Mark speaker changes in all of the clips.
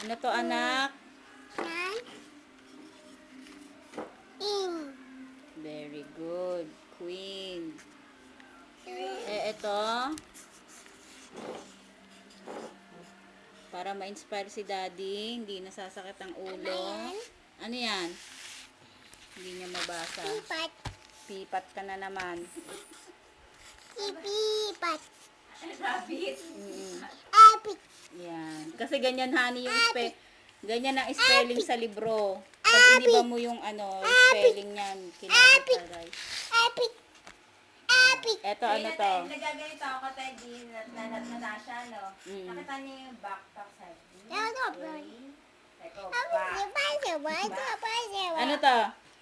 Speaker 1: Ano to, anak?
Speaker 2: In.
Speaker 1: Very good. Queen. Ito. Para ma-inspire si daddy, hindi nasasakit ang ulo. Ano yan? Hindi niya mabasa.
Speaker 2: Pipat.
Speaker 1: Pipat ka na naman.
Speaker 2: Pipat.
Speaker 3: Rabbit.
Speaker 2: Apit.
Speaker 1: Yan. Kasi ganyan, honey, yung ganyan ang spelling sa libro. Pag iniba mo yung spelling niyan, kinakataray.
Speaker 2: Apit. Apit.
Speaker 1: Eto, ano to?
Speaker 3: Nagaganito ako tayo din na Natasha, no?
Speaker 1: Mm.
Speaker 3: Nakita niyo yung backpack side.
Speaker 2: Ano ba?
Speaker 3: Eko, back.
Speaker 1: Ano to?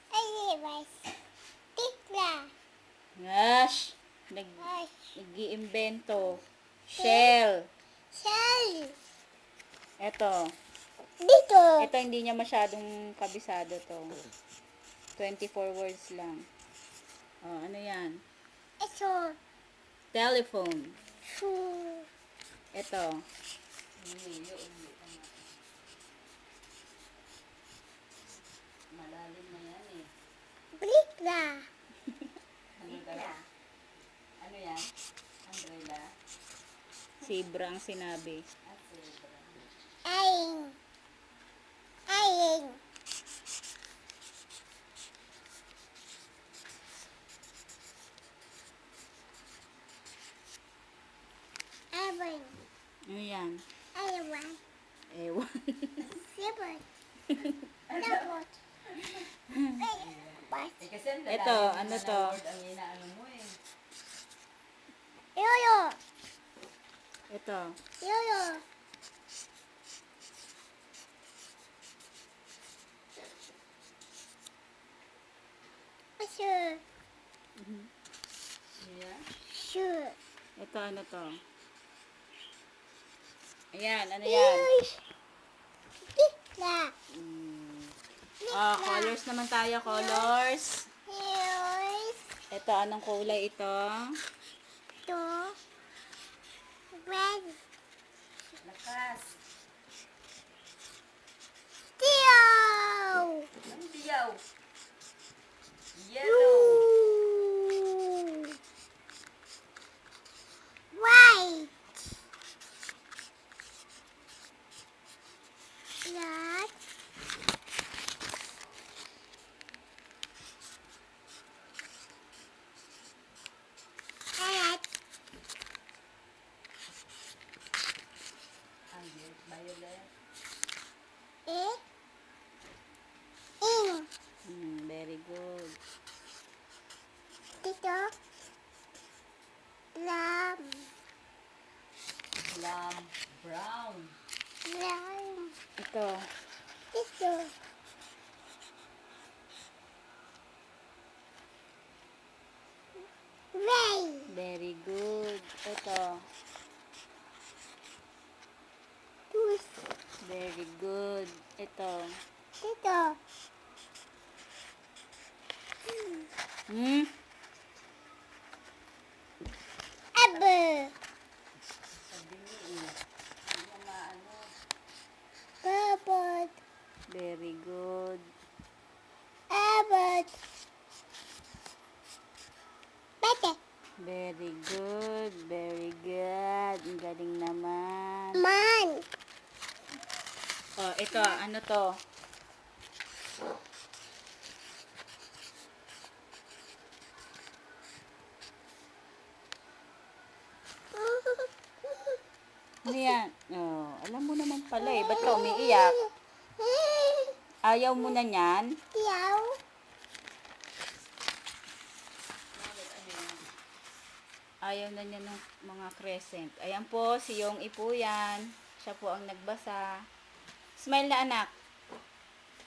Speaker 2: Tikla.
Speaker 1: Gosh! Nag-iimbento. Shell.
Speaker 2: Shell.
Speaker 1: Eto.
Speaker 2: Dito.
Speaker 1: Ito hindi niya masyadong kabisado to. 24 words lang. Oh, ano yan?
Speaker 2: Ito.
Speaker 1: Telephone.
Speaker 2: Shoe.
Speaker 1: Ito. Malalim na yan eh.
Speaker 2: Blikla.
Speaker 1: Ano yan? Umbrella? Zebra ang sinabi.
Speaker 2: Aing. Aing. Aing.
Speaker 1: Ano yan?
Speaker 2: Ewan.
Speaker 1: Ewan.
Speaker 2: Sipot. Tapot.
Speaker 3: Kasi ang lalalim
Speaker 1: Ito,
Speaker 3: naman
Speaker 1: ano
Speaker 3: na
Speaker 1: to?
Speaker 3: word ang inaano mo eh.
Speaker 2: Yoyo.
Speaker 1: Ito.
Speaker 2: Yoyo. Sure.
Speaker 1: Ayan.
Speaker 2: Sure.
Speaker 1: Ito, ano to? Ayan, ano yan?
Speaker 2: Tikla.
Speaker 1: Colors naman tayo, colors.
Speaker 2: Yours.
Speaker 1: Ito, anong kulay ito?
Speaker 2: To. Red.
Speaker 3: Lakas.
Speaker 2: Tio.
Speaker 3: Ang diyaw. Yellow.
Speaker 2: White. Black. Red.
Speaker 3: Violet.
Speaker 2: In.
Speaker 1: Very good.
Speaker 2: Dito. Lamb.
Speaker 3: Plum. Brown.
Speaker 2: Lamb.
Speaker 1: Ito.
Speaker 2: Dito. Ray.
Speaker 1: Very good. Ito.
Speaker 2: Tus.
Speaker 1: Very good. Ito.
Speaker 2: Dito.
Speaker 1: Hmm?
Speaker 2: Apple.
Speaker 3: Sabi niya eh. Hindi niya maano.
Speaker 2: Purple.
Speaker 1: Very good.
Speaker 2: Apple. Bete.
Speaker 1: Very good. Very good. Ang galing naman.
Speaker 2: Man.
Speaker 1: Oh, ito. Ano to? Ano yan? Oh, alam mo naman pala eh. Ba't ka umiiyak? Ayaw mo na niyan?
Speaker 2: Tiyaw.
Speaker 1: Ayaw na niya ng mga crescent. Ayan po, si Yong Ipo yan. Siya po ang nagbasa. Smile na anak.